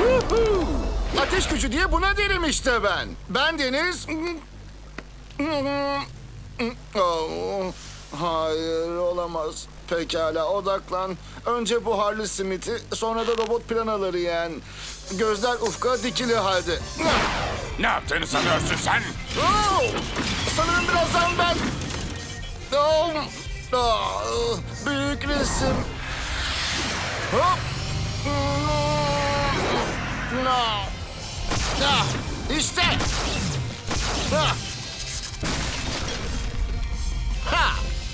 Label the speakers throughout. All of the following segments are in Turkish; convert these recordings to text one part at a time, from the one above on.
Speaker 1: Yuhuu! Ateş gücü diye buna derim işte ben. Ben Deniz... Oh, hayır olamaz. Pekala odaklan. Önce buharlı simiti, sonra da robot planaları yen. Gözler ufka dikili halde.
Speaker 2: Ne yaptığını sanıyorsun sen?
Speaker 1: Oh! Sanırım birazdan ben... Oh! Oh! Büyük resim. Hop! No! Ah! İşte! Ah! Ha!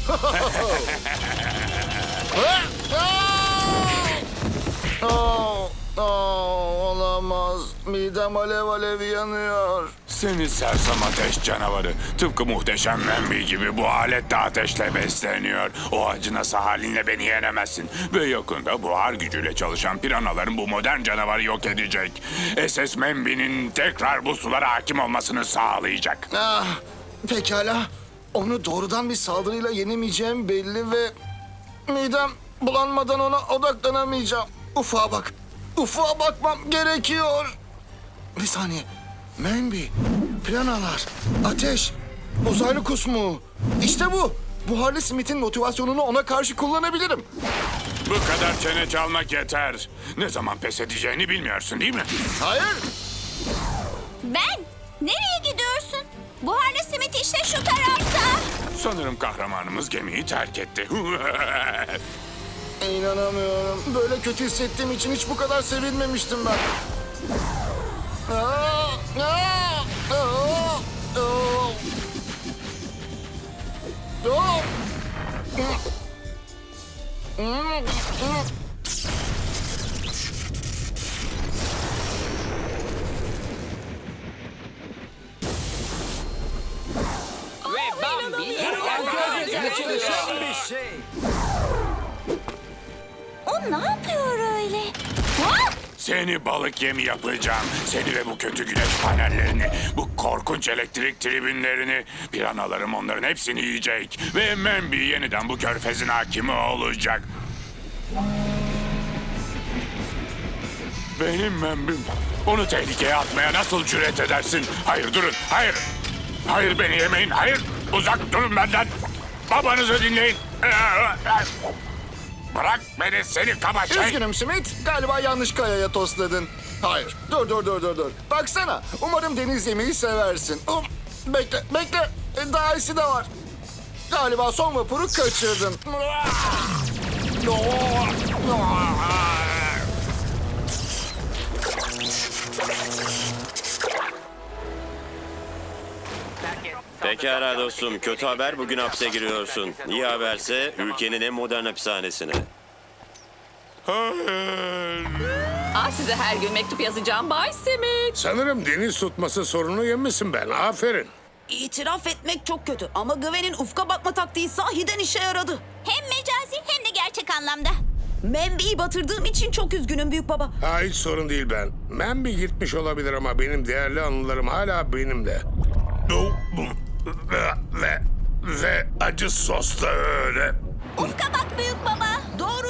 Speaker 1: Oh! Oh! Olamaz. Midem alev alev yanıyor.
Speaker 2: Seni sersem ateş canavarı. Tıpkı muhteşem Membi gibi bu alet de ateşle besleniyor. O acınası halinle beni yenemezsin. Ve yakında buhar gücüyle çalışan piranaların bu modern canavarı yok edecek. SS Membi'nin tekrar bu sulara hakim olmasını sağlayacak.
Speaker 1: Ah, pekala. Onu doğrudan bir saldırıyla yenemeyeceğim belli ve... midem bulanmadan ona odaklanamayacağım. Ufağa bak. Ufağa bakmam gerekiyor. Bir saniye. Membi, planalar, ateş, uzaylı kusmu. İşte bu. Buharlı Smith'in motivasyonunu ona karşı kullanabilirim.
Speaker 2: Bu kadar çene çalmak yeter. Ne zaman pes edeceğini bilmiyorsun değil mi?
Speaker 1: Hayır.
Speaker 3: Ben? Nereye gidiyorsun? Buharlı simit işte şu tarafta.
Speaker 2: Sanırım kahramanımız gemiyi terk etti.
Speaker 1: İnanamıyorum. Böyle kötü hissettiğim için hiç bu kadar sevinmemiştim ben. Aa, aa, aa, aa. Aa.
Speaker 4: Ve Bambi gerçekleşen bir şey.
Speaker 3: O ne yapıyor öyle? Hop!
Speaker 2: Seni balık yemi yapacağım. Seni ve bu kötü güneş panellerini, bu korkunç elektrik tribünlerini, piranalarım onların hepsini yiyecek. Ve Membi yeniden bu körfezin hakimi olacak. Benim Membim. Onu tehlikeye atmaya nasıl cüret edersin? Hayır durun, hayır. Hayır beni yemeyin, hayır. Uzak durun benden. Babanızı dinleyin. Bırak beni seni kaba şey.
Speaker 1: Üzgünüm Smith. Galiba yanlış kayaya tosladın. Hayır. Dur. Baksana. Umarım deniz yemeği seversin. Bekle. Daha iyisi de var. Galiba son vapuru kaçırdın.
Speaker 5: Pekala dostum, kötü haber bugün hapse giriyorsun. İyi haberse ülkenin en modern hapishanesine.
Speaker 2: Hayır.
Speaker 6: Size her gün mektup yazacağım Bay Simit.
Speaker 7: Sanırım deniz tutması sorunu yemişsin ben. Aferin.
Speaker 8: İtiraf etmek çok kötü ama Gwen'in ufka bakma taktiği sahiden işe yaradı.
Speaker 3: Hem mecazi hem de gerçek anlamda.
Speaker 8: Membi'yi batırdığım için çok üzgünüm büyük baba.
Speaker 7: Hiç sorun değil ben. Membi gitmiş olabilir ama benim değerli anılarım hala benimle. Ve acı sos da öyle.
Speaker 3: Ufka bak büyük baba.